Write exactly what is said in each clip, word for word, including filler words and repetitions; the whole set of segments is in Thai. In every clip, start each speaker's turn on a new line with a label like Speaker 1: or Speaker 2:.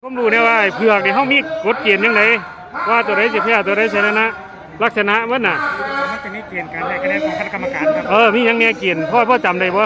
Speaker 1: ผมรู้เนี่ยว่าไอ้เผือกเนี่ยเขามีกฎเกณฑ์ยังไงว่าตัวใดสิแพ้ตัวใดชนะลักษณะมันน่ะ
Speaker 2: มันจะมีเกณฑ์การได้คะแนนของคณะกรรมการครับ
Speaker 1: เออมียังแน่เกณฑ์พ่อพ่อจำได้บ่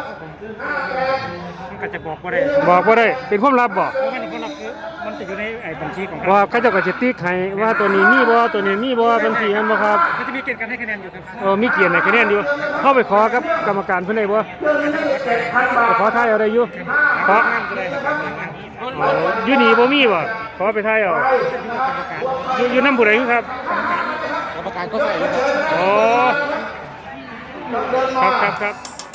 Speaker 2: มันก็จะบอกว่าได้
Speaker 1: บอกว่าได้เป็นความลับบ่
Speaker 2: เพราะมันคนละคือมันจะอยู่ในไอ้บัญชีของ
Speaker 1: ว่าเขาเจ้าก็จะติ๊กให้ว่าตัวนี้มีบ่ตัวนี้มีบ่บัญชีนั้นบ่ครับ
Speaker 2: มันจะมีเกณฑ์การให้คะแนนอยู่ครับ
Speaker 1: เออมีเกณฑ์ให้คะแนนอยู่เข้าไปขอกับกรรมการเพิ่นได้บ่ไปขอทายเอาได้อยู่ขออยู่นี่บ่มีบ่ขอไปทายเอาอยู่อยู่นำผู้ใดครับ
Speaker 2: กรรมการก็ใส่เลย
Speaker 1: ครับครับครับ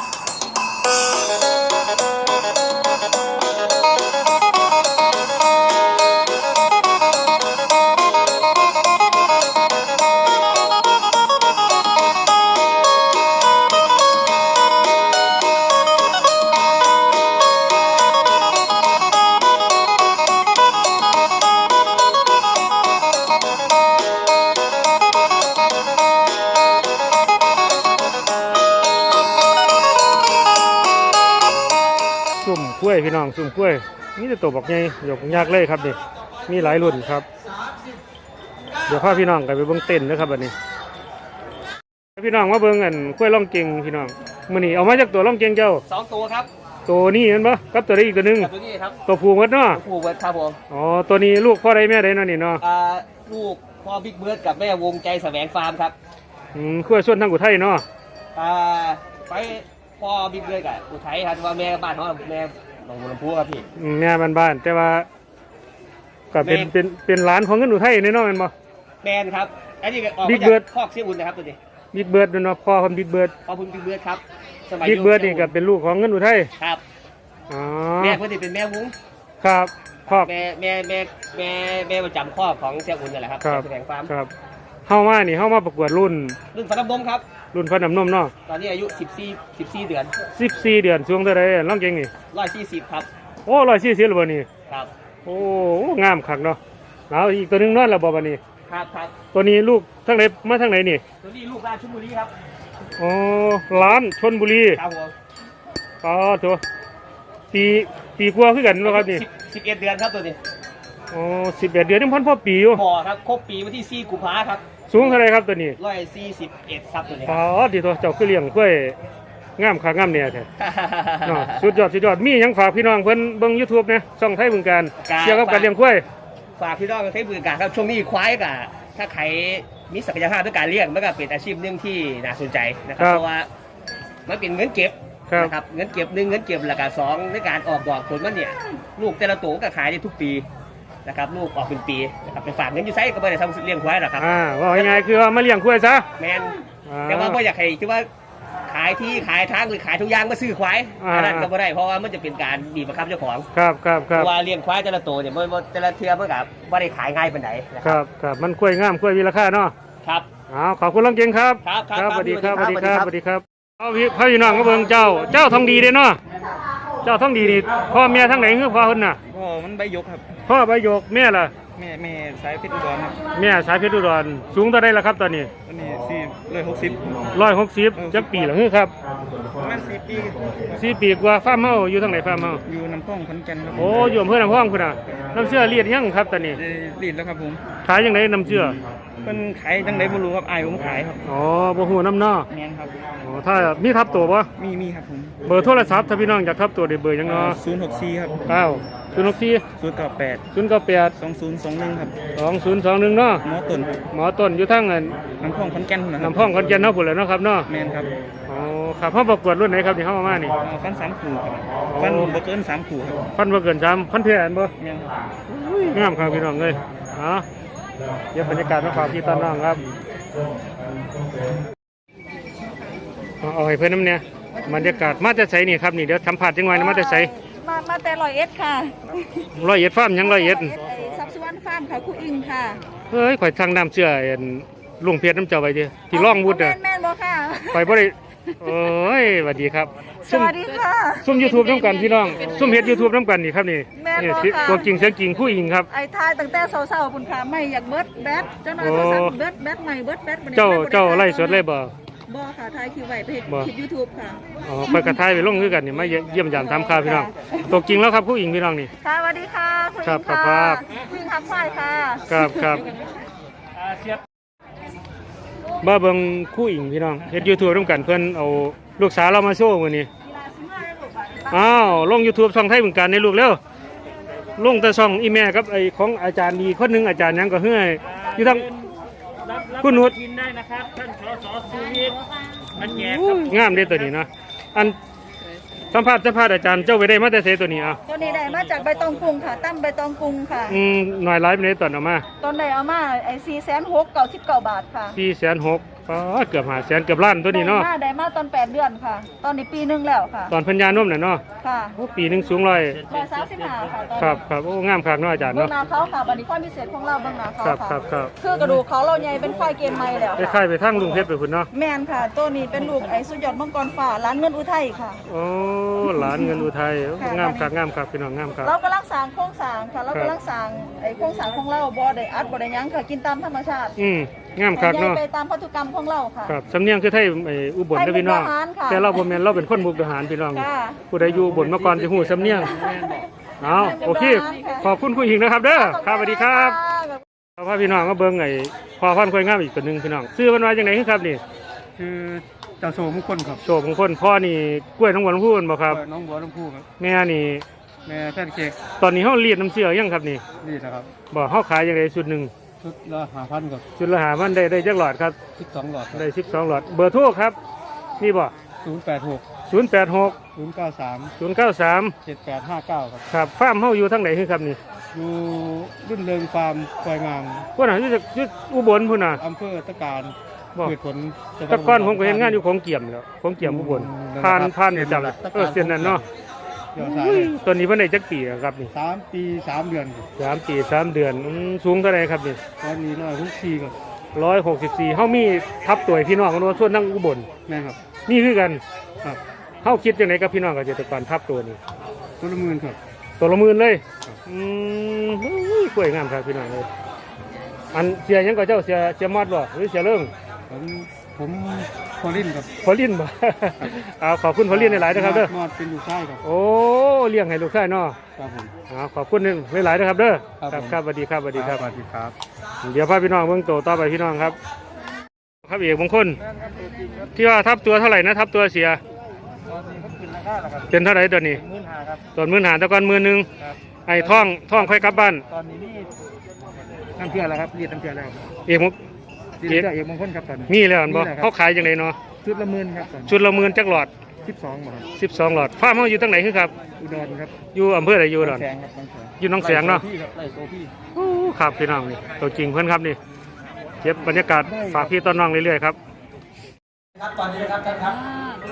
Speaker 1: สุ่มกล้วยพี่น้องสุ่มกล้วยนี่จะตัวบอกไงหยกยากเลยครับนี่มีหลายรุ่นครับเดี๋ยวพาพี่น้องกันไปเบิ้งเต้นนะครับบัดนี้พี่น้องมาเบิ้งกันกล้วยล่องเก่งพี่น้องมื้อนี้เอามาจากตัวล่องเก่งเจ้า
Speaker 3: สองตัวครับ
Speaker 1: ตัวนี้เห็นปะกับตัวนี้อีกตัวนึง
Speaker 3: ตัวนี้ครับ
Speaker 1: ตัวผูกวัดเนาะ
Speaker 3: ผูกวัดครับผม
Speaker 1: อ๋อตัวนี้ลูกพ่อใดแม่ใดเนาะนี่เนาะ
Speaker 3: อ่าลูกพ่อบิ๊กเบิร์ดกับแม่วงใจแสวงฟาร์มครับ
Speaker 1: อืมขั้วส่วนทางอุทัยเนาะ
Speaker 3: อ่าไปพ่อบิ๊กเบิร์ดกับอุทัยครับว่าแม่บ้านเขาแม่หนองบัวลำพูครับพี่
Speaker 1: แม่บ้านๆแต่ว่าก็เป็นเป็นเป็นร้านของเงินอุทัยแน่นอนแม่นบ่
Speaker 3: แมนครับอันนี้ออกมาจากคอกเสียอุ่นนะครับตัวนี้
Speaker 1: บิ๊กเบิร์ดเนาะพ่อคนบิ๊กเบิร์ด
Speaker 3: พ่อคุณบิ๊กเบิร์ดครับ
Speaker 1: บิ๊กเบิร์ดนี่ก็เป็นลูกของเงินอุทัย
Speaker 3: ครับ
Speaker 1: อ๋อ
Speaker 3: แม่เพื่อนที่เป็นแม่วุ้ง
Speaker 1: ครับคอก
Speaker 3: แม่แม่แม่แม่แม่ประจำคอกของเสียอุ่นนี่แหละครับแสวงฟาร์ม
Speaker 1: ครับเฮามานี่เฮามาประกวดรุ่น
Speaker 3: รุ่นฟันน้ำนมครับ
Speaker 1: รุ่นฟันน้ำนมเนาะ
Speaker 3: ตอนนี้อายุสิบสี่ สิบสี่เดือน
Speaker 1: สิบสี่เดือนช่วงเท่าไรล่องเก่งนี่
Speaker 3: หนึ่งร้อยสี่สิบครับ
Speaker 1: โอ้หนึ่งร้อยสี่สิบแล้วบ่นี่
Speaker 3: ครับ
Speaker 1: โอ้งามคักเนาะแล้วอีกตัวนึงนอนแล้วบ่บัดนี้
Speaker 3: ครับครับ
Speaker 1: ตัวนี้ลูกทั้งไหนมาทั้งไหนนี่
Speaker 3: ตัวนี้ลูกร้านชลบุรีครับ
Speaker 1: อ๋อร้านชลบุรี
Speaker 3: ครับผม
Speaker 1: อ๋อตัวปีปีกว่าคือกันเนาะครับนี่
Speaker 3: สิบเอ็ดเดือนครับตัวนี้
Speaker 1: อ๋อสิบเอ็ดเดือนนี่พันพ่อปีอยู่
Speaker 3: พอครับครบปีวันที่สี่กุมภาครับ
Speaker 1: สูงเท่าไรครับตัวนี้
Speaker 3: ร้อยสี่สิบเอ็ดครับตัวนี้
Speaker 1: อ๋อดีตัวเจ้าคือเลี้ยงกล้วยงามขางามเนี่ยแท้เนาะสุดยอดสุดยอดมียังฝากพี่น้องเพิ่นเบิ่ง YouTube นะช่องไทยบึงการเกี่ยวกับการเลี้ยงกล้วย
Speaker 3: ฝากพี่น้องไทยบึงการครับช่วงนี้ควายกะถ้าใครมีศักยภาพในการเลี้ยงมันก็เป็นอาชีพหนึ่งที่น่าสนใจนะครับเพราะว่ามันเป็นเงินเก็บนะครับเงินเก็บหนึ่งเงินเก็บหลักการสองในการออกดอกผลมันเนี่ยลูกแต่ละตัวก็ขายได้ทุกปีนะครับลูกออกเป็นปีนะครับเป็นฝากเงินอยู่ไซก็ไม่ได้ทำเลี้ยงควายหรอกครับ
Speaker 1: อ่าว่าง่ายๆคือว่ามาเลี้ยงควายซะ
Speaker 3: แมนแต่ว่าไม่อยากให้ที่ว่าขายที่ขายทางหรือขายทุกอย่างมาซื้อควายอันนั้นก็ไม่ได้เพราะว่ามันจะเป็นการบีบบังคับเจ้าของ
Speaker 1: ครับครับครับ
Speaker 3: ว่าเลี้ยงควายแต่ละตัวเนี่ยมันแต่ละเทือมันกับไม่ได้ขายง่ายเป็นไหน
Speaker 1: นะครับครับมันควายงามควายมีราคาเนาะ
Speaker 3: ครับ
Speaker 1: อ๋อขอบคุณลังเก่งครับ
Speaker 3: ครับครับ
Speaker 1: สวัสดีครับสวัสดีครับสวัสดีครับเอาพี่พี่น้องก็เบิ่งเจ้าเจ้าทองดีเด้เนาะเจ้าทองดีนี่พ่อแม่ทั้งไหนคือพ่อคนน่ะ
Speaker 2: พ่อมันใบยกครับ
Speaker 1: พ่อใบยกแม่ล่ะ
Speaker 2: แม่แม่สายเพชรอุดรครับ
Speaker 1: แม่สายเพชรอุดรสูงเท่าไรล่ะครับตอนนี้
Speaker 2: ตอนนี้สี่ร้อยหกสิบ
Speaker 1: ร้อยหกสิบจักปีหรือครับ
Speaker 2: ประมาณสี่ปี
Speaker 1: สี่ปีกว่าฟาร์มเฮาอยู่ทางไหนฟาร์มเฮา
Speaker 2: อยู่น้ำพ่องขอนแก่นครับ
Speaker 1: โอ้อยู่อำเภอน้ำพ่องคุณน่ะน้ำเชื่อเลียดยังครับตอนนี้
Speaker 2: เลียดแล้วครับผม
Speaker 1: ขายยังไงน้ำเชื่อ
Speaker 2: เป็นขายจังไดบ่รู้ครับอายผมขายครับ
Speaker 1: อ๋อบ่ฮู้น้ำเนาะ
Speaker 2: แม่นครับ
Speaker 1: อ๋อถ้ามีทับตัวบ่
Speaker 2: มีมีครับผม
Speaker 1: เบอร์โทรศัพท์ถ้าพี่น้องอยากทับตัวได้เบอร์ยังเนาะ
Speaker 2: ศูนย์หกสี่ครับ
Speaker 1: เก้าศูนย์หกสี่
Speaker 2: ศูนย์เก้าแปด
Speaker 1: ศูนย์เก้าแปด
Speaker 2: สองศูนย์สองหนึ่งครับ
Speaker 1: สองศูนย์สองหนึ่งเนาะ
Speaker 2: หมอต้น
Speaker 1: หมอต้นอยู่ทาง
Speaker 2: น้ำพ่องขอนแก่น
Speaker 1: น้ำพ่องขอนแก่นเนาะพุ่นแหละเนาะครับเนาะ
Speaker 2: แม่นครับ
Speaker 1: อ๋อครับเฮาประกวดรุ่นไหนครับที่เฮามานี่
Speaker 2: ฟันสามขู่ครับฟันบ่เกินสามขู่ครับ
Speaker 1: ฟันบ่เกินสามฟันเพี้ยนบ่
Speaker 2: แม่นครับ
Speaker 1: งามครับพี่น้องเอ้ยอ๋อเดี๋ยวบรรยากาศมาฝากพี่ต้อนน้องครับเอาให้เพื่อนน้ำเนี่ยบรรยากาศมาจะใส่นี่ครับนี่เดี๋ยวสัมผัสจังหวะนะมาจะใส่
Speaker 4: มามาแต่ร้อยเอ็ดค่ะ
Speaker 1: ร้อยเอ็ดฟาร์มยังร้อยเอ็ด
Speaker 4: ซับซ้อนฟาร์มค่ะคุณอิงค่ะ
Speaker 1: เฮ้ยข่อยทางน้ำเชื่อลุงเพียรน้ำเจ้าไปดิที่ร่องวุฒิอ่ะ
Speaker 4: แม่นบ่ค่ะ
Speaker 1: ข่อยบ่ได้โอ้ยสวัสดีครับ
Speaker 4: สวัสดีค่ะ
Speaker 1: ซุ่มยูทูบน้ำกันพี่น้องซุ่มเฮ็ดยูทูบน้ำกันนี่ครับนี่นี่ตัวจริงเสียงจริงคู่อิงครับ
Speaker 4: ไอ้ทายตั้งแต่เศร้าๆคุณค่ะไม่อยากเบิดแบทเจ้าหน่อยโทรศัพท์เบิดแบทใหม่เบิดแบท
Speaker 1: เจ้าเจ้าไล่สดเลยบ่
Speaker 4: บ่ค่ะถ่ายคลิปไว้เพจ
Speaker 1: บ่
Speaker 4: คลิป YouTube ค่ะ
Speaker 1: อ๋อไปกระทายไปลงคือกันนี่มาเยี่ยมยามถามข่าวพี่น้องตกจริงแล้วครับผู้หญิงพี่น้องนี่
Speaker 4: ค่ะสวัสดีค่ะคุณ
Speaker 1: ครับ
Speaker 4: อิง
Speaker 1: ครั
Speaker 4: ค่ะ
Speaker 1: บ
Speaker 4: คุณอิงครับควายค่ะ
Speaker 1: ครับครับบ้าเบิงคู่หญิงพี่น้องเฮ็ด YouTube ร่วมกันเพิ่นเอาลูกสาวเรามาโชว์มื้อนี้อ้าวลง YouTube ช่องไทยบึงการในลูกเร็วลงแต่ช่องอีแม่กับไอ้ของอาจารย์ดีคนหนึงอาจารย์หยังก็เฮ้ยอยู่ทางคุณนุช
Speaker 2: กินได้นะครับท่านสสสุวิทย์มันแยก
Speaker 1: งามเด้ตัวนี้เนาะอันสัมภาษณ์สัมภาษณ์อาจารย์เจ้าไปได้มาแต่เสตัวนี้อ่ะ
Speaker 4: ตัวนี้ได้มาจากใบตองกรุงค่ะตั้มใบตองกรุงค่ะ
Speaker 1: อืมหน่อยไลฟ์ในตอนเอามา
Speaker 4: ตอนไหนเอามาไอ้สี่แสนหกเก้าสิบเก้าบาทค่ะ
Speaker 1: สี่แสนหกอ๋อเกือบห้าแสนเกือบล้านตัวนี้เนาะ
Speaker 4: ได้มาได้มาตอนแปดเดือนค่ะ ตอนนี้ปีหนึงแล้วค่ะ
Speaker 1: ตอนพันยานมน่ะเนาะ
Speaker 4: ค่ะ
Speaker 1: โอ้ปีหนึงสูงร้อย
Speaker 4: ร้อยสามสิบห้าค่ะตอน
Speaker 1: ครับ
Speaker 4: นี้
Speaker 1: ครับโอ้งามคักเนาะอาจารย์
Speaker 4: เบื้อง
Speaker 1: เนาะ
Speaker 4: หน้าเขาค่ะบันนี้ความพิเศษของเราเบื้องหน้าเขา
Speaker 1: ครับ
Speaker 4: ค่ะ
Speaker 1: ครับครับ
Speaker 4: คือกระดูกเขาเราใหญ่เป็นควายเกณฑ์ใหม่แล้ว
Speaker 1: ค
Speaker 4: ค่ะ
Speaker 1: ล้ายๆไปทางลุงเพชรไปพุ่นเนาะ
Speaker 4: แมนค่ะ ตัวนี้เป็นลูกไอ้สุดยอดมังกรฟ้าร้านเงินอุทัยค่ะ
Speaker 1: โอ้หลานเงินอุทัยโอ้
Speaker 4: ค่ะ
Speaker 1: งามคักงามคักพี่น้องงามคัก
Speaker 4: เรากำลังสร้างโครงสร้างค่ะ เรา
Speaker 1: ครับ
Speaker 4: กำลังสร้างไอ้โครงสร้างของเราบ่ได้อัดบ่ได้หยังค่ะ กินตามธรรมชาติ
Speaker 1: อืมงามคัก
Speaker 4: ใหญ่
Speaker 1: เนาะ
Speaker 4: ไปตามพันธุกรรมของเราค่ะ
Speaker 1: ครับสำเนียงคือไทยไอ้อุบลเด้อพี่น้อง
Speaker 4: ไทยมุกดาหารค่ะ
Speaker 1: แต่เราบ่แม่นเราเป็นคนมุกดาหารพี่น้อง
Speaker 4: ค่ะ
Speaker 1: ผู้ใดอยู่อุบลมาก่อนสิฮู้สำเนียงเอา
Speaker 4: ไทยมุกดาหาร
Speaker 1: โอเค
Speaker 4: ค่ะ
Speaker 1: ขอบคุณผู้หญิงนะครับเด้อครับสวัสดีครับเอาพาพี่น้องมาเบิ่งไอ้พอพันธุ์ควายงามอีกตัวหนึงพี่น้องชื่อมันว่าจังได๋ครับนี่
Speaker 2: คือเจ้าโสมงคลครับ
Speaker 1: โชคของคนพ่อนี่กล้วยน้องหวานพูนบ่ครับ
Speaker 2: น้องบัวลำพูครับ
Speaker 1: แม่นี่
Speaker 2: แม่แพนเค้ก
Speaker 1: ตอนนี้เฮาเรียนน้ำเชื่อยังครับนี่
Speaker 2: นี่นะครับ
Speaker 1: บ่เฮาขายจังได๋ชุดหนึง
Speaker 2: ชุดละห้าพันกับ
Speaker 1: ชุดละหาพันได้ได้จักหลอดครับ
Speaker 2: สิบสองหลอด
Speaker 1: ได้สิบสองหลอดเบอร์โทรครับนี่บ่
Speaker 2: ศูนย์แปดหก
Speaker 1: ศูนย์แปดหก
Speaker 2: ศูนย์เก้าสาม
Speaker 1: ศูนย์เก้าสาม
Speaker 2: เจ็ดแปดห้าเก้าครับ
Speaker 1: ครับฟาร์มเฮาอยู่ทางไหนคือครับนี่
Speaker 2: อยู่รุ่นเริงฟาร์มควายงาม
Speaker 1: พุ่นน่ะอยู่จากอยู่อุบลพุ่นน่ะ
Speaker 2: อำเภอตะการ
Speaker 1: บ่
Speaker 2: เกิดผลจังหวัด
Speaker 1: แต่ก่อนผมก็เห็นงานอยู่ของเกี่ยมแล้วของเกี่ยมอุบลผ่านผ่านประจำเออเส้นนั้นเนาะ
Speaker 2: ยอดสาย
Speaker 1: อุ้ยตัวนี้เพิ่นได้จักปีแล้วครับนี่
Speaker 2: สามปีสามเดือนครับ
Speaker 1: สามปีสามเดือนอืมสูงเท่าไหร่ครับนี่
Speaker 2: ตอนนี้ร้อยทุกทีครับ
Speaker 1: ร้อยหกสิบสี่เฮามีทับตัวให้พี่น้องกันว่าส่วนนั่งอุบล
Speaker 2: แม่ครับ
Speaker 1: นี่คือกัน
Speaker 2: ครับ
Speaker 1: เฮาคิดจังไดกับพี่น้องเกษตรกรทับตัวนี้
Speaker 2: ต้นละหมื่นครับ
Speaker 1: ตัวละหมื่นเลยอืมอุ้ยกล้วยงามครับพี่น้องเลยอันเสียหยังก็เจ้าเสียเสียมอดบ่หรือเสียเรื่อง
Speaker 2: ผมผมพอลินครับ
Speaker 1: พอลินบ่ เอาขอบคุณพอลินหลายๆนะครับเด้อ
Speaker 2: มอดเป็นลูกชายครับ
Speaker 1: โอ้เลี้ยงให้ลูกชายเนาะ
Speaker 2: ครับผม
Speaker 1: เอาขอบคุณหลายๆนะครับเด้อ
Speaker 2: ครับผม
Speaker 1: ครับสวัสดีครับสวัสดีครับ
Speaker 2: สวัสดีครับ
Speaker 1: เดี๋ยวพาพี่น้องเบิ่งโตต่อไปพี่น้องครับ ครับเอกมงคลที่ว่าทับตัวเท่าไหร่นะทับตัวเสีย
Speaker 2: ตอนนี้เขาขึ้นราคาแล้วครับ
Speaker 1: เป็นเท่าไหร่ตัวนี้
Speaker 2: หมื่นห้าครับ
Speaker 1: ตัวหมื่นหาแตะกอนหมื่นหนึ่ง
Speaker 2: ครับ
Speaker 1: ไอ้ท่องท่องค่อยกลับบ้าน
Speaker 2: ตอนนี้นี่น้ำเชื่อแล้วครับเรียกน้ำเชื่อแล้ว
Speaker 1: เอกมง
Speaker 2: เรียกเอกมงคลครับตอนนี้
Speaker 1: มีแล้วอันบ่
Speaker 2: มีแล้วครับ
Speaker 1: เขาขายจังไดเนาะ
Speaker 2: ชุดละหมื่นครับตอนนี้
Speaker 1: ชุดละหมื่นจักหลอด
Speaker 2: สิบสองบาท
Speaker 1: สิบสองหลอดฟาร์มเฮาอยู่ตั้งไหนคือครับ
Speaker 2: อุดรครับ
Speaker 1: อยู่อำเภอใดอยู่ดอน
Speaker 2: แสงครับบางแสง
Speaker 1: อยู่หนองแสงเนาะ
Speaker 2: ไล่โซพี่ครับไล่โซพี่
Speaker 1: โอ้ครับพี่น้องนี่ตัวจริงเพื่อนครับนี่เก็บบรรยากาศฝากพี่ต้นน้องเรื่อยๆครับ
Speaker 5: ครับตอนนี้นะครับท่านครับ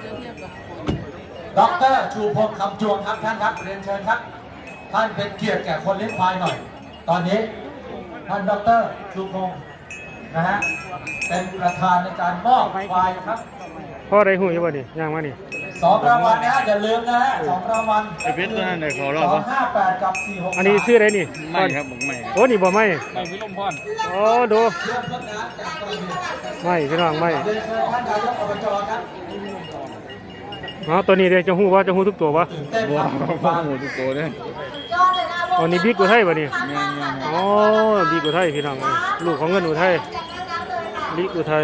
Speaker 5: ดรชูพงษ์คำจวงครับท่านครับเรียนเชิญครับ ท่านเป็นเกียรติแก่คนเลี้ยงควายหน่อย ตอนนี้ท่านดรชูพงษ์นะฮะเป็นประธานในการมอบควายครับ
Speaker 1: พ่อได้หูอยู่บ่นี่ย่างมานี่
Speaker 5: สองรางวัลนะฮะอย่าลืมนะฮะสองรางวัล
Speaker 2: ไอเพชรตัวนั้นเลยขอร
Speaker 5: ส
Speaker 2: อบ
Speaker 5: องห้าแปดกับสี่หก
Speaker 1: อันนี้ชื่ออะไรนี่
Speaker 2: ไม่ครับผมไม่
Speaker 1: โอ้นี่บ่ไม่
Speaker 2: ไม่พิลมพร
Speaker 1: โอ้ดู
Speaker 5: เรื่องต้นน้ำจากกระบี่
Speaker 1: ไม่พี่น้องไม่
Speaker 5: เรียนเชิญท่านนายกอบจครับ
Speaker 1: อ๋อตัวนี้เดี๋ยวจะหูว่าจะหูทุกตัววะ
Speaker 5: ตื่นเต้นครับ
Speaker 2: บ้าหมดทุกตัวเลย
Speaker 1: อันนี้บิ๊กอุทัยบ่นี่
Speaker 2: งานงานงาน
Speaker 1: อ๋อบิ๊กอุทัยพี่น้องลูกของเงินอุทัยบิ๊กอุทัย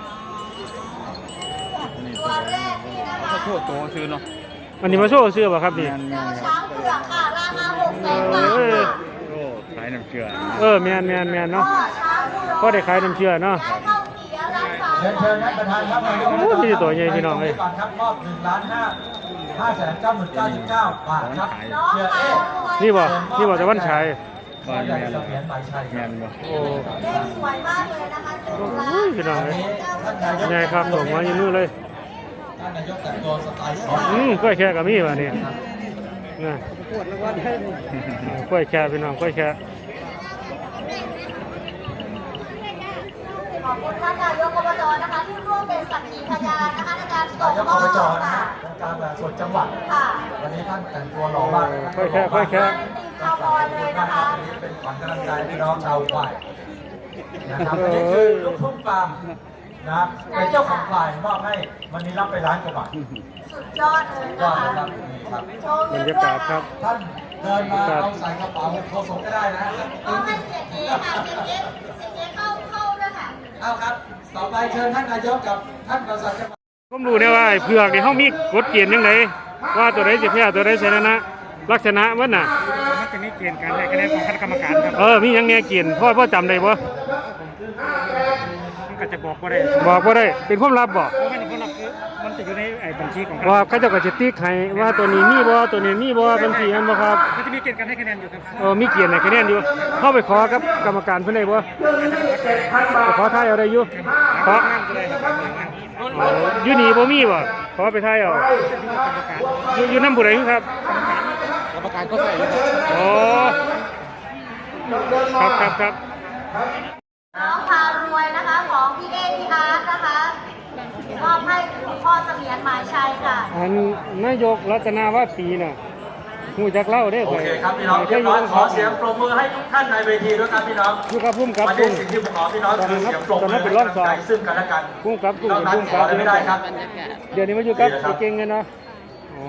Speaker 2: ขอโทษตัวซื้อเนาะ
Speaker 1: อันนี้มาโชว์เสื้อป่ะครับนี่
Speaker 2: งานงานครับ
Speaker 1: เออ
Speaker 2: โอ้ขายน้ำเกลือ
Speaker 1: เออแมนแมนแมนเนาะพ่อได้ขายน้ำเชื่อเนาะ
Speaker 5: เรียนเชิญท่านประธานครับนายก
Speaker 1: โอ้มีตัวใหญ่พี่น้องเอ้ย
Speaker 5: ก่อนครับมอบหนึ่งล้านห้าห้าแสนเก้าหมื่นเก้าสิบเก้าบาทครับเชียร์เอ๊ะ
Speaker 1: นี่บ่นี่บ่แต่วันชัย
Speaker 5: บ้านใหญ่เสมียนหมายชัย
Speaker 2: งานบ่
Speaker 1: โอ้โอ้ยพี่น้อง
Speaker 5: วัน
Speaker 1: เอ้ย
Speaker 5: นี้ท่านนายก
Speaker 1: ใหญ่ครับส่งมาอยู่นู่นเลย
Speaker 5: ท่านนายกแต่งตัวสไตล์สอง
Speaker 1: อืมกล้วยแค่กับมีว่ะนี่นะกล้วยแค่พี่น้องกล้วยแค่
Speaker 6: ขอบคุณท่านนายกอบจนะคะที่ร่วมเป็นสักขีพยานนะคะในการส่
Speaker 5: นาง ยก
Speaker 6: ม
Speaker 5: อ
Speaker 6: อ
Speaker 5: บบ จนะ
Speaker 6: ค่ะ
Speaker 5: ฮะองค์การแบบส่วนจังหวัด
Speaker 6: ค่ะ
Speaker 5: วันนี้ท่านแต่งตัวหล่อมากนะ
Speaker 1: กล้วยแค่กล้วยแค่
Speaker 6: ตีมคาวบอยเลยนะคะ
Speaker 5: วันนี้เป็นขวัญกำลังใจพี่น้องชาวฝ่ายนะครับอันนี้คือลูกทุ่งฟาร์มนะเป็นเจ้าของควายมอบให้วันนี้รับไปล้านกว่าบาท
Speaker 6: สุดยอดเลย
Speaker 5: ยอ
Speaker 6: นะ
Speaker 5: ด
Speaker 6: คะ
Speaker 5: เลยครับนี่ครับ
Speaker 6: โชว์
Speaker 1: บร
Speaker 6: เงิน
Speaker 1: ร
Speaker 6: ด้
Speaker 1: ยาว กาย ศค
Speaker 6: ค่ะ
Speaker 1: รับ
Speaker 5: ท่านเดินมาเอาใส่กระเป๋าโทรส่งก็ได้นะฮะ
Speaker 6: เอาให้เสียเก๋ค่ะเสียเก๋เสียเก๋เข้าเข้าด้วยค่ะ
Speaker 5: เอาครับ ต่อไปเชิญท่านนายกกับท่านประสานจังหวัด
Speaker 1: ผมรู้เนี่ยว่าไอ้เผือกนี่เขามีกฎเกณฑ์ยังไงว่าตัวใดสิแพ้ตัวใดชนะลักษณะมันน่ะ
Speaker 2: มันจะมีเกณฑ์การให้คะแนนของคณะกรรมการครับ
Speaker 1: เออมีหยังแน่เกณฑ์พ่อพ่อจำได้บ่
Speaker 2: มันก็จะบอกว่าได้
Speaker 1: บอกบ่ได้เป็นความลับบ่
Speaker 2: เพราะมันคนละคือมันจะอยู่ในไอ้บัญชีของ
Speaker 1: ว่าเขาเจ้าก็จะติ๊กให้ว่าตัวนี้มีบ่ตัวนี้มีบ่บัญชีอันบ่ครับ
Speaker 2: มันจะมีเกณฑ์การให้คะแนนอยู่ครับ
Speaker 1: เออมีเกียรติให้คะแนนอยู่เข้าไปขอกับกรรมการเพิ่นได้บ่ไปขอทายเอาได้อยู่ขออ๋ออยู่นี่บ่มีบ่ขอไปทายเอาอยู่อยู่นำผู้ใดครับ
Speaker 2: กรรมการก็ใส่อยู่
Speaker 1: อ๋อครับครับครับ
Speaker 6: น้องพารวยนะคะของพี่เอพี่อาร์ตนะคะมอบให้คุณพ่อเสมียนหมายชัยค่ะ
Speaker 1: อันนายกรัตนาวาปีน่ะฮู้จักเล่าเด้
Speaker 5: โอเคครับพี่น้องเรียบร้อยขอเสียงปรบมือให้ทุกท่านในเวทีด้วยครับพี่น้อง
Speaker 1: อยู่กับพุ่มกับ
Speaker 5: วัน
Speaker 1: พุ่
Speaker 5: นี้
Speaker 1: ม
Speaker 5: สิ่งที่ผมขอพี่น้องคือเสียงปรบมือให้กำลังใจซึ่งกันและกัน
Speaker 1: พุ่มกับพุ่ม
Speaker 5: นอกนั้น
Speaker 1: พุ่ม
Speaker 5: ข
Speaker 1: กั
Speaker 5: อบ อะไรไม่ได้ครับ
Speaker 1: เดี๋ยวนี้มาอยู่กับ
Speaker 5: ดีนะครับ
Speaker 1: เก่งกันเนาะอ๋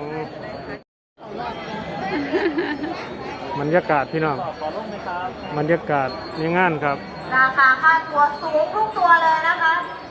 Speaker 1: อบรรยากาศพี่น้องบรรยากาศในงานครับ
Speaker 6: ราคาค่าตัวสูงทุกตัวเลยนะคะ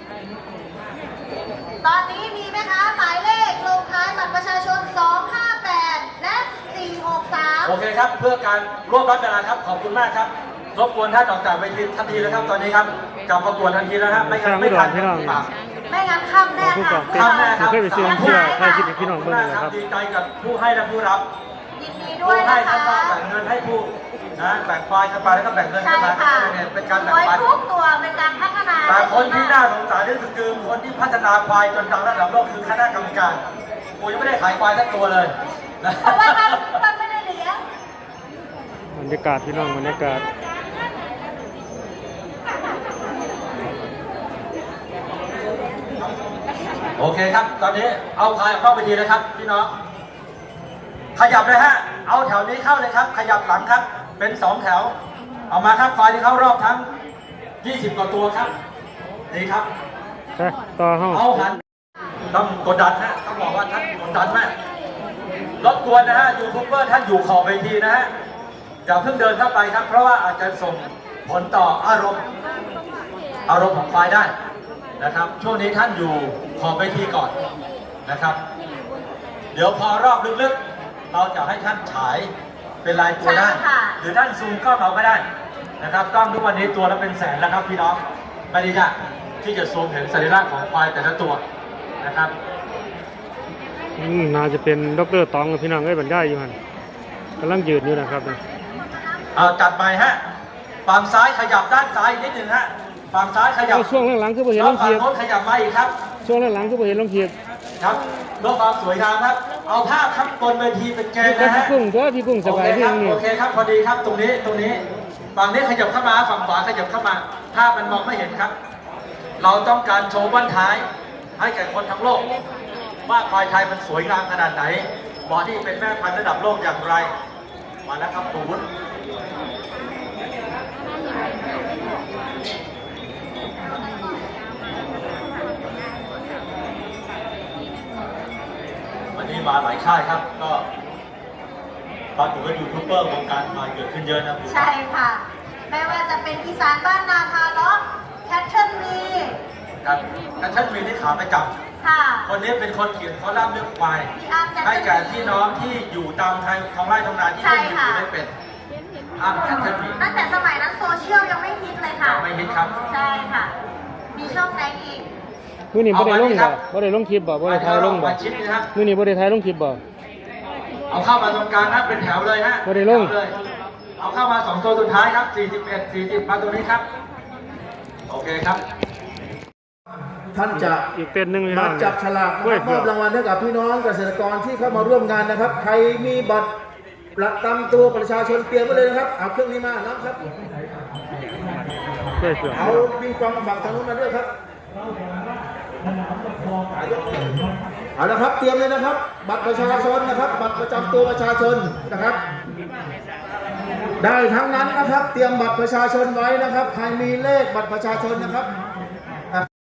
Speaker 6: ตอนนี้มีไหมคะหมายเลขลงท้ายบัตรประชาชน สองห้าแปด และ สี่หกสาม
Speaker 5: โอเคครับเพื่อการร่วมรับเวลาครับขอบคุณมากครับรบกวนท่านออกจากเวทีทันทีแล้วครับตอนนี้ครับกลับประกวดทันทีแล้วครับไม่งั้นไม่ทัน
Speaker 1: พี่น้อง
Speaker 5: ปาก
Speaker 6: ไม่งั้นค่ำแน่
Speaker 1: ผู้ก
Speaker 6: ค่ะ
Speaker 1: องเต้น
Speaker 5: ทำแน่ครับ
Speaker 1: เคยไปซื้อเสื้อใครคิดเป็นพี่น้องเบิ่งเลยครับ
Speaker 5: ดีใจกับผู้ให้และผู้รับ
Speaker 6: ยินดีด้
Speaker 5: ผู้
Speaker 6: วย
Speaker 5: ให้
Speaker 6: นะ
Speaker 5: ท่าน
Speaker 6: คะ
Speaker 5: ก็แบ่งเงินให้ผู้นะแบ่งควายกันไปแล้วก็แบ่งเงิน
Speaker 6: ใช่
Speaker 5: กันมา
Speaker 6: ค่ะ
Speaker 5: เนี่ยเป็นการ
Speaker 6: ส
Speaker 5: แบ่ง
Speaker 6: วย
Speaker 5: ปัน
Speaker 6: ทุกตัวเป็นการพัฒนา
Speaker 5: แต่คนที่น่าสงสารที่สุดคือคนที่พัฒนาควายจนดังระดับโลกคือคณะกรรมการกูยังไม่ได้ขายควายสักตัวเลยนะ
Speaker 6: เพราะว่าท่านท่านไม่ได้เลี้ยง
Speaker 1: บรรยากาศพี่น้องบรรยากาศ
Speaker 5: โอเคครับ ตอนนี้เอาควายเข้าไปทีนะครับพี่น้องขยับเลยฮะเอาแถวนี้เข้าเลยครับ ขยับหลังครับ เป็นสองแถว เอามาครับควายที่เข้ารอบทั้งยี่สิบกว่าตัวครับนี่ครับ
Speaker 1: ไปต่อเฮา
Speaker 5: เอาหันต้องกดดันฮะต้องบอกว่าท่านกดดันมากรบกวนนะฮะยูทูบเบอร์ท่านอยู่ขอบเวทีนะฮะอย่าเพิ่งเดินเข้าไปครับ เพราะว่าอาจจะส่งผลต่ออารมณ์อารมณ์ของควายได้นะครับ ช่วงนี้ท่านอยู่ขอบเวทีก่อนนะครับ เดี๋ยวพอรอบลึกๆ เราจะให้ท่านฉายเป็นลายตัวได้
Speaker 6: ใช่ค่ะ
Speaker 5: หรือท่านซูมกล้องเอาก็ได้นะครับกล้องทุกวันนี้ตัวละเป็นแสนแล้วครับพี่น้องไม่ได้ยากที่จะซูมเห็นสัญลักษณ์ของควายแต่ละตัวนะครับ
Speaker 1: อืมน่าจะเป็นดรตองกับพี่น้องเอ้ยบรรยายอยู่หั่นกำลังยืนอยู่นะครับ
Speaker 5: เอาจัดไปฮะฝั่งซ้ายขยับด้านซ้ายนิดหนึ่งฮะฝั่งซ้ายขยับ
Speaker 1: เอาช่วงหลังๆคือบ่เห็น
Speaker 5: แล้
Speaker 1: ล
Speaker 5: ว
Speaker 1: ง
Speaker 5: ฝั่
Speaker 1: เที
Speaker 5: ง
Speaker 1: ยบ
Speaker 5: โน้นขยับมาอีกครับ
Speaker 1: ช่วงหลังๆคือบ่เห็นลงเทียบ
Speaker 5: ครับเพื่อความสวยงามครับ เอาภาพครับบนเวทีเป็นแกน
Speaker 1: ก็
Speaker 5: นะ
Speaker 1: พี่
Speaker 5: ฮะ
Speaker 1: กุ้งตัวพี่กุ้งส
Speaker 5: โอบ
Speaker 1: าย
Speaker 5: เค
Speaker 1: พี่
Speaker 5: ครับ
Speaker 1: นี่
Speaker 5: โอเคครับพอดีครับตรงนี้ตรงนี้ฝั่งนี้ขยับเข้ามาฝั่งขวาขยับเข้ามาภาพมันมองไม่เห็นครับ เราต้องการโชว์บ้านท้าย ให้แก่คนทั้งโลก ว่าควายไทยมันสวยงามขนาดไหนเหมาะที่เป็นแม่พันธุ์ระดับโลกอย่างไร มาแล้วครับปูนวันนี้มาหลายค่ายครับ ก็ปรากฏว่ายูทูบเบอร์วงการควายเกิดขึ้นเยอะนะพี่
Speaker 6: ใช่ค่ะ ไม่ว่าจะเป็นอีสานบ้านนาคาล็อกแคทเทิลมี
Speaker 5: ครับแต่ท่านมีที่ขาประจ
Speaker 6: ค่ะ
Speaker 5: ำคนนี้เป็นคนเขียนคอลัมน์เรื่องควาย
Speaker 6: พี่อาร์ตแคท
Speaker 5: ให้
Speaker 6: เทิล
Speaker 5: แก่
Speaker 6: มี
Speaker 5: พี่น้องที่อยู่ตามทางท้องไร่ท้องนาที่
Speaker 6: ใช่
Speaker 5: ไม่มี
Speaker 6: ค่ะ
Speaker 5: ไม่เป็นอ้ามแคทเทิลมี
Speaker 6: ตั้งแต่สมัยนั้นโซเชียลยังไม่ฮิตเลยค่ะ
Speaker 5: ยังไม่ฮิตครับ
Speaker 6: ใช่ค่ะ มีช่องไหนอีก
Speaker 1: มื้อนี้บ่ได้ลง
Speaker 5: เอามานี่ครั
Speaker 1: บ่
Speaker 5: บ
Speaker 1: บ่ได้ลงคลิปบ่บ่ได้ถ่ายลงบ่
Speaker 5: มาชิดนะครับ
Speaker 1: มื้อนี้บ่ได้ถ่ายลงคลิปบ่
Speaker 5: เอาเข้ามาตรงกลางนะเป็นแถวเลยฮะ
Speaker 1: ไม่ได้ลง
Speaker 5: แถวเลยเอาเข้ามาสองตัวสุดท้ายครับสี่สิบเอ็ด สี่สิบมาตรงนี้ครับโอเคครับ
Speaker 7: ท่านจะ
Speaker 1: อีกเต้นหนึงพี่น้
Speaker 7: มา
Speaker 1: อง
Speaker 7: จับฉลาก
Speaker 1: กล้วย
Speaker 7: ม
Speaker 1: เผื
Speaker 7: อ
Speaker 1: อบ ก
Speaker 7: รางวัลให้กับพี่น้องเกษตรกรที่เข้ามาร่วมงานนะครับ ใครมีบัตรประจำตัวประชาชนเตรียมไว้เลยนะครับเอาเครื่องนี้มานะครับ
Speaker 1: กล้วยเผือก
Speaker 7: เอาปิงปองบักทางนู้นมาด้วยครับเอาละครับเตรียมเลยนะครับ บัตรประชาชนนะครับ บัตรประจำตัวประชาชนนะครับ ได้ทั้งนั้นนะครับ เตรียมบัตรประชาชนไว้นะครับ ใครมีเลขบัตรประชาชนนะครับ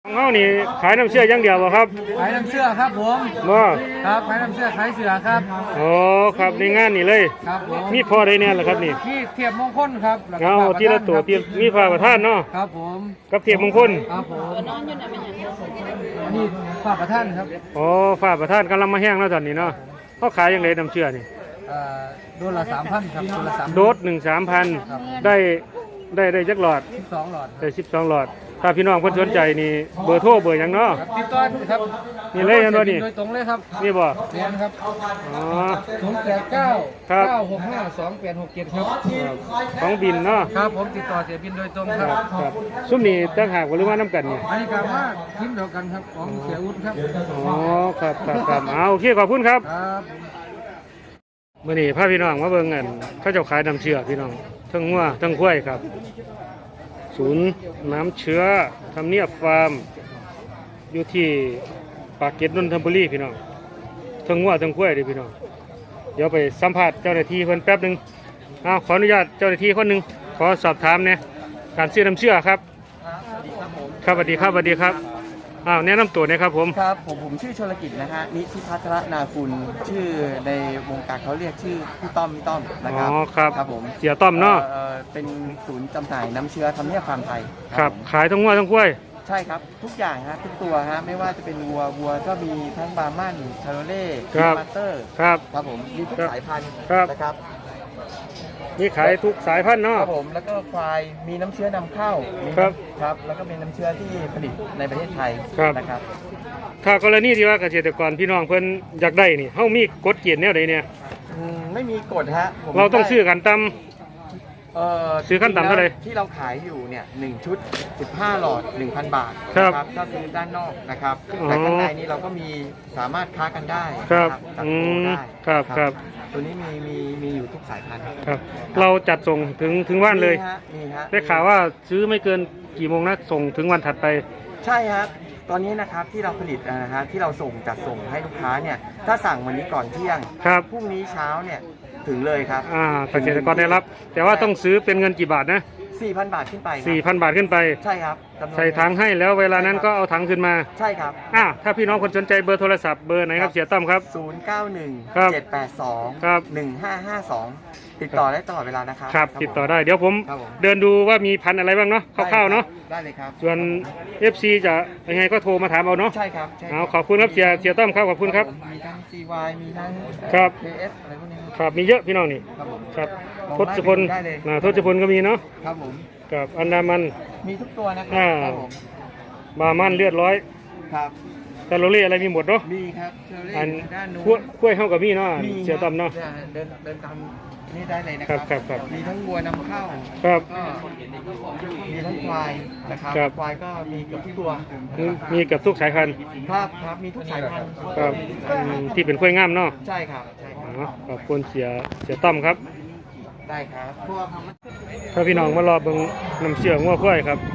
Speaker 1: ของเฮานี่ขายน้ำเชื่ออย่างเดียวบ่ครับ
Speaker 2: ขายน้ำเชื่อครับผม
Speaker 1: บ่
Speaker 2: ครับขายน้ำเชื่อขายเสือครับ
Speaker 1: โอ้ครับในงานนี่เลย
Speaker 2: ครับผม
Speaker 1: มีพอได้แน่ล่ะครับนี่
Speaker 2: ที่เทียบมงคลครับแล้วก็
Speaker 1: เอา
Speaker 2: ฝาก
Speaker 1: ทีละตัว
Speaker 2: ครับ
Speaker 1: เตรียมมีผ้าประทานเนาะ
Speaker 2: ครับผม
Speaker 1: กับเทียบมงคล
Speaker 2: ครับผมอันนี้ฝากประท่านครับ
Speaker 1: โอ้ผ้าประทานกำลังมาแห้งแล้วตอนนี้เนาะเขาขายอย่างไรน้ำเชื่อนี่
Speaker 2: เอ่อโดนละสามพันครับโดนละสาม
Speaker 1: โดสหนึ่งสามพันได้ได้ได้จักหลอด
Speaker 2: สิบสองหลอด
Speaker 1: ได้สิบสองหลอด ถ้าพี่น้องเพิ่นสนใจนี่เบอร์โทรเบอร์หยังเนาะ
Speaker 2: ครับติดต่อครับ
Speaker 1: นี่เลยอันว่านี่
Speaker 2: โดยตรงเลยครับ
Speaker 1: นี่บ่
Speaker 2: เรียนครับ
Speaker 1: อ๋อ
Speaker 2: ศูนย์แปดเก้า
Speaker 1: ครับ
Speaker 2: เก้าหกห้าสองแปดหกเจ็ดครับ
Speaker 1: ของบินเนาะ
Speaker 2: ครับผมติดต่อเสียบินโดยตรงค
Speaker 1: ค
Speaker 2: รั
Speaker 1: รับบ ครับซุ้มนี่ตั้งหากว่าหรือว่าน้ำกันนี่
Speaker 2: อันนี้ก็มาทีมเดียวกันครับของเสียอุ้นครับ
Speaker 1: อ๋อครับครับครับเอาโอเคขอบคุณครับ
Speaker 2: ครับ
Speaker 1: มื่อนี้พาพี่น้องมาเบิ่งกันเขาเจ้าขายน้ำเชื้อพี่น้องทั้งงัวทั้งควายครับ ศูนย์น้ำเชื้อทำเนียบฟาร์มอยู่ที่ปากเกร็ดนนทบุรีพี่น้องทั้งงัวทั้งควายเลยพี่น้องเดี๋ยวไปสัมภาษณ์เจ้าหน้าที่เพิ่นแป๊บหนึงอ้าวขออนุญาตเจ้าหน้าที่คนหนึ่งขอสอบถามเนี่ยการซื้อน้ำเชื้อครับครับสวัสดีครับสวัสดีครับอ้าวแนะนำตัวหนะครับผม
Speaker 8: ครับผมผมชื่อชลกิจนะฮะนิธิพัฒรนาคุณชื่อในวงการเขาเรียกชื่อพี่ต้อมพี่ต้อมนะ
Speaker 1: อ๋
Speaker 8: ค
Speaker 1: อ
Speaker 8: รับ
Speaker 1: ครับ
Speaker 8: ครับผม
Speaker 1: เสียต้อมเนาะ
Speaker 8: อ่อเป็นศูนย์จำหน่ายน้ำเชื้อทำเนียบฟาร์มไทย
Speaker 1: ครับ
Speaker 8: ผม
Speaker 1: ขายทั้งงัวทั้งควาย
Speaker 8: ใช่ครับทุกอย่างฮะทุกตัวฮะไม่ว่าจะเป็นวัววัวก็มีทั้งบาร์มันชาโรเล่
Speaker 1: ครับ
Speaker 8: มาสเตอร์
Speaker 1: ครับ
Speaker 8: ครับผมมีทุก
Speaker 1: ครับ
Speaker 8: สายพันธุ์
Speaker 1: ครับ
Speaker 8: นะครับ
Speaker 1: มีขายทุกสายพันธุ์
Speaker 8: ค
Speaker 1: เนาะ
Speaker 8: รับผมแล้วก็ควายมีน้ำเชื้อนำเข้ามี
Speaker 1: ครับ
Speaker 8: ครับแล้วก็เป็นน้ำเชื้อที่ผลิตในประเทศไทย
Speaker 1: ครับ
Speaker 8: นะครับ
Speaker 1: ถ้ากรณีที่ว่าเกษตรกรพี่น้องเพิ่นอยากได้นี่เฮามีกฎเกณฑ์แนวใดเนี่ย
Speaker 8: อืมไม่มีกฎฮะผม
Speaker 1: เราต้อง
Speaker 8: ได้
Speaker 1: ซื้อกันตาม
Speaker 8: เอ่อ
Speaker 1: ซื้อขั้นต่ำเท่าไหร่
Speaker 8: ที่เราขายอยู่เนี่ยหนึ่งชุด สิบห้า หลอด หนึ่งพัน บาท
Speaker 1: ครับ
Speaker 8: นะถ้าซื้อด้านนอกนะครับ
Speaker 1: อ๋อ
Speaker 8: แต่ข้างในนี้เราก็มีสามารถค้ากันได้
Speaker 1: ครับ
Speaker 8: นะจัด
Speaker 1: อื
Speaker 8: โปร
Speaker 1: ม
Speaker 8: ได้
Speaker 1: ครับครับ
Speaker 8: ตัวนี้มีมีมีอยู่ทุกสายพันธุ์
Speaker 1: ครับ เราจัดส่งถึงถึงวันเลย
Speaker 8: มีฮะมีฮะ
Speaker 1: ได้ข่าวว่าซื้อไม่เกินกี่โมงนะส่งถึงวันถัดไป
Speaker 8: ใช่ครับตอนนี้นะครับที่เราผลิตนะฮะที่เราส่งจัดส่งให้ลูกค้าเนี่ยถ้าสั่งวันนี้ก่อนเที่ยง
Speaker 1: ครับ
Speaker 8: พรุ่งนี้เช้าเนี่ยถึงเลยครับ
Speaker 1: อ่าเกษตรกรได้รับ แต่ว่าต้องซื้อเป็นเงินกี่บาทนะ
Speaker 8: สี่พัน บาทขึ้นไปครับ
Speaker 1: สี่พัน บาทขึ้นไป
Speaker 8: ใช่ครับจำนวน
Speaker 1: ใส่ถังให้แล้วเวลานั้นก็เอาถังขึ้นมา
Speaker 8: ใช่ครับ
Speaker 1: อ่าถ้าพี่น้องคนสนใจเบอร์โทรศัพท์เบอร์ไหนครับเสียต้อมครับ
Speaker 8: ศูนย์ เก้า หนึ่ง
Speaker 1: ครับ
Speaker 8: เจ็ด แปด สอง
Speaker 1: ครับ
Speaker 8: หนึ่ง ห้า ห้า สอง ติดต่อได้ตลอดเวลานะครับ
Speaker 1: ครับติดต่อได้เดี๋ยวผม
Speaker 8: ครับผม
Speaker 1: เดินดูว่ามีพันธุ์อะไรบ้างเนาะคร่าวๆเนาะ
Speaker 8: ได้เลยครับ
Speaker 1: ส่วน เอฟ ซี จะยังไงก็โทรมาถามเอาเนาะ
Speaker 8: ใช่ครับใช่
Speaker 1: เอาขอบคุณครับเสียเสียต้อมครับขอบคุณครับ
Speaker 8: มีทั้ง ซี วาย มีทั้ง
Speaker 1: ครับ
Speaker 8: เค เอส อะไรพวกนี้
Speaker 1: ครับมีเยอะพี่น้องนี่
Speaker 8: ครับผม
Speaker 1: ครับ
Speaker 8: ลอง
Speaker 1: ทศพล
Speaker 8: ได้เลย
Speaker 1: อ่าทศพลก็มีเนาะ
Speaker 8: ครับผม
Speaker 1: กับอันดามัน
Speaker 8: มีทุกตัวนะครั
Speaker 1: อ่า
Speaker 8: ครับผม
Speaker 1: บามันเลือดร้อย
Speaker 8: ครับ
Speaker 1: ตาโรเล่อะไรมีหมดเนาะ
Speaker 8: มีครับเชอรี่
Speaker 1: อัน
Speaker 8: ด้านนู้
Speaker 1: ขั้วน ขั้วเฮากับมีเนาะ
Speaker 8: มี
Speaker 1: เสียต้อมเนาะ
Speaker 8: ครับเดินเดินตามนี่ได้เลยนะค
Speaker 1: ครั
Speaker 8: รับ
Speaker 1: ครับครับ
Speaker 8: มีทั้งวัวนำเข้า
Speaker 1: ครับ
Speaker 8: ก็มีทั้งควายนะครับ
Speaker 1: ครับ
Speaker 8: ควายก็มีเกือบทุกตัว
Speaker 1: มีมีกับทุกสายพันธุ์
Speaker 8: ครับครับมีทุกสายพันธุ์
Speaker 1: ครับอืมที่เป็นขั้วงามเนาะ
Speaker 8: ใช่ครับใช่ครับ
Speaker 1: อ๋อขอบคุณเสียเสียต้อมครับ
Speaker 8: ได้ครับพวก
Speaker 1: ถ้าพี่น้องมารอเบิ่งน้ำเชื่องัวควายครับ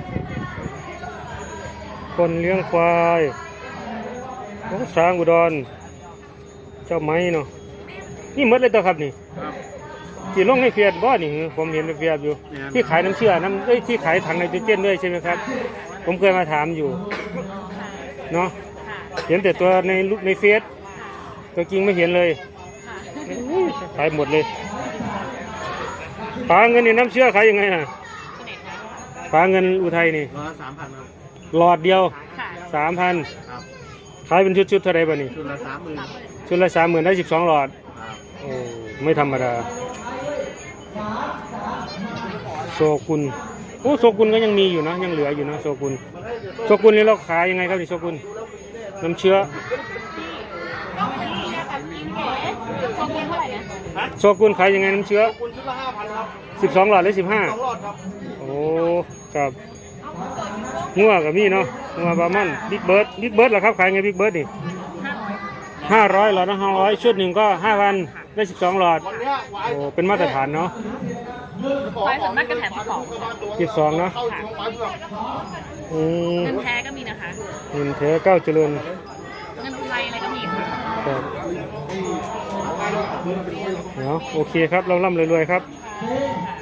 Speaker 1: คนเลี้ยงควายของสร้างอุดร เจ้าไม้เนาะนี่หมดเลยตัวครับนี่ที่ลงในเฟียดบ่นี่ผมเห็นในเฟียดอยู่ ที่ขายน้ำเชื่อน้ำเอ้ยที่ขายถังไนโตรเจนด้วยใช่ไหมครับ ผมเคยมาถามอยู่เนาะเห็นแต่ตัวในรูปในเฟซตัวจริงไม่เห็นเลยขายหมดเลยปลาเงินนี่น้ำเชื่อขายยังไงน่ะปลาเงินอุทัยนี่
Speaker 2: ร้อยสามพันครับ
Speaker 1: หลอดเดียวสามพัน
Speaker 2: ครับ
Speaker 1: ขายเป็นชุดๆเท่าไรบ้านี่
Speaker 2: ชุดละสามหมื่น
Speaker 1: ชุดละสามหมื่นได้สิบสองหลอดโอ้ไม่ธรรมดาโซกุนโอ้โซกุนก็ยังมีอยู่นะยังเหลืออยู่นะโซกุนโซกุนนี่เราขายยังไงครับนี่โซกุนน้ำเชื้อโซกุนขายยังไงน้ำเชื้อ
Speaker 2: คุณชุดละห้าพันครับ
Speaker 1: สิบสองหลอดหรือสิบห้า
Speaker 2: สองหลอดครับ
Speaker 1: โอ้ครับงัวกับมีเนาะงัวบามันบิ๊กเบิร์ดบิ๊กเบิร์ดเหรอครับขายไงบิ๊กเบิร์ดนี่ห้าร้อยหลอดนะห้าร้อยชุดหนึ่งก็ห้าพันได้สิบสองหลอด
Speaker 2: วันเนี้ยไว้
Speaker 1: โอ้เป็นมาตรฐานเนาะ
Speaker 9: ไฟส่วนมากก็แถมสิบสอง
Speaker 1: สิบสองเนาะ
Speaker 2: เข้าช่วงไว้เพื่อ
Speaker 1: อืม
Speaker 9: เงินแท้ก็มีนะคะ
Speaker 1: เงินแท้เก้าเจริญ
Speaker 9: เงินไทยอะไรก็มีค่ะ
Speaker 1: ครับเดี๋ยวโอเคครับเราล่ำรวยๆครับ
Speaker 9: ค